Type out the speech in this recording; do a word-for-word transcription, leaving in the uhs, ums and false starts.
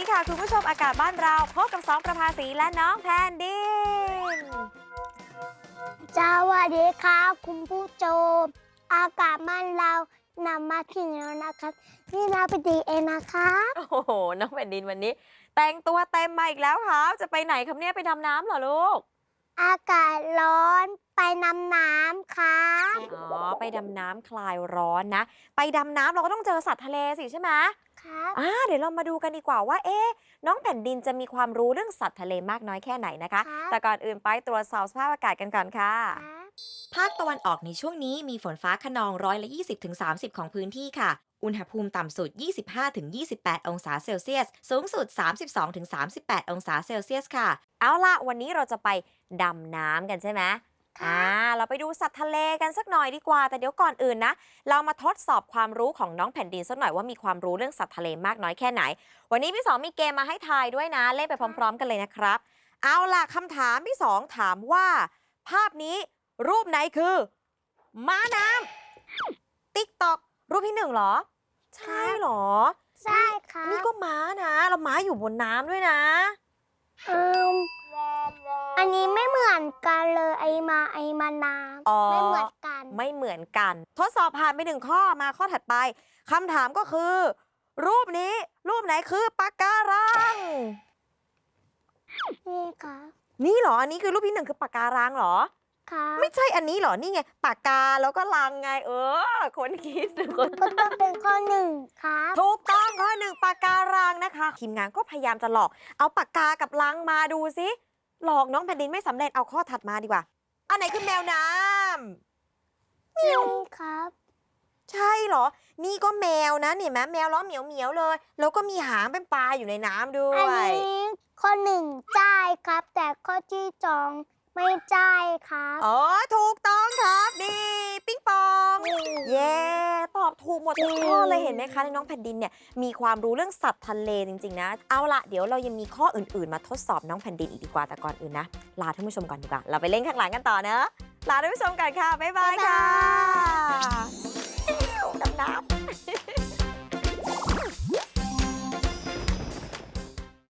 ค่ะคุณผู้ชมอากาศบ้านเราพบกับสองประภาสีและน้องแพนดินสวัสดีครับคุณผู้ชมอากาศบ้านเรานำมาถึงแล้วนะครับนี่นาไปดีเองนะครับโอ้โหน้องแผ่นดินวันนี้ แต่งตัวเต็มมาอีกแล้วครับจะไปไหนครับเนี่ยไปดำน้ำเหรอลูกอากาศร้อนไปน้ำน้ำครับอ๋อไปดำน้ำคลายร้อนนะไปดำน้ำเราก็ต้องเจอสัตว์ทะเลสิใช่ไหมครับอ่าเดี๋ยวเรามาดูกันดีกว่าว่าเอ๊ะน้องแผ่นดินจะมีความรู้เรื่องสัตว์ทะเลมากน้อยแค่ไหนนะคะครับแต่ก่อนอื่นไปตรวจสอบสภาพอากาศกันก่อนค่ะครับภาคตะวันออกในช่วงนี้มีฝนฟ้าคะนองร้อยละยี่สิบถึงสามสิบของพื้นที่ค่ะ อุณหภูมิต่ำสุด ยี่สิบห้าถึงยี่สิบแปด องศาเซลเซียส สูงสุด สามสิบสองถึงสามสิบแปด องศาเซลเซียสค่ะ เอาล่ะ วันนี้เราจะไปดำน้ำกันใช่ไหมอ่า เราไปดูสัตว์ทะเลกันสักหน่อยดีกว่า แต่เดี๋ยวก่อนอื่นนะ เรามาทดสอบความรู้ของน้องแผ่นดินสักหน่อยว่ามีความรู้เรื่องสัตว์ทะเลมากน้อยแค่ไหน วันนี้พี่สองมีเกมมาให้ทายด้วยนะ เล่นไปพร้อมๆ กันเลยนะครับ เอาล่ะคำถามที่สองถามว่า ภาพนี้รูปไหนคือ ม้าน้ำติ๊กตอกรูปที่หนึ่งเหรอ ใช่เหรอใช่ครับนี่ก็ม้านะแล้วม้าอยู่บนน้ำด้วยนะอืมอันนี้ไม่เหมือนกันเลยไอมาไอมานาอ๋อไม่เหมือนกันไม่เหมือนกัน ทดสอบผ่านไปหนึ่งข้อมาข้อถัดไปคำถามก็คือ รูปนี้รูปไหนคือปะการังนี่ครับนี่เหรอ อันนี้คือรูปที่หนึ่งคือปะการังเหรอครับไม่ใช่อันนี้เหรอ นี่ไงปากกาแล้วก็ลังไง เออ คนคิดคนก็ต้องเป็นข้อหนึ่งครับถูกต้องข้อหนึ่งปากการังนะคะทีมงานก็พยายามจะหลอกเอาปากกากับลังมาดูซิหลอกน้องแผ่นดินไม่สำเร็จเอาข้อถัดมาดีกว่าอันไหนคือแมวน้ำนี่ครับใช่เหรอ นี่ก็แมวนะเห็นไหมแมวล้อเหมียวเหมียวๆเลย แล้วก็มีหางเป็นปลาอยู่ในน้ำด้วอันยนี้ข้อหนึ่งใช่ครับ แต่ข้อที่สองไม่ใช่ครับอ๋อถูกต้องครับนี่ปิ๊งปอง เย้ตอบถูกหมดทุกข้อเลยเห็นไหมคะในน้องแผ่นดินเนี่ยมีความรู้เรื่องสัตว์ทะเลจริงๆนะเอาละเดี๋ยวเรายังมีข้ออื่นๆ มาทดสอบน้องแผ่นดินอีกดีกว่าแต่ก่อนอื่นนะลาท่านผู้ชมก่อนดีกว่าเราไปเล่นข้างหลังกันต่อเนอะลาท่านผู้ชมก่อนค่ะบ๊ายบายค่ะดำน้ำ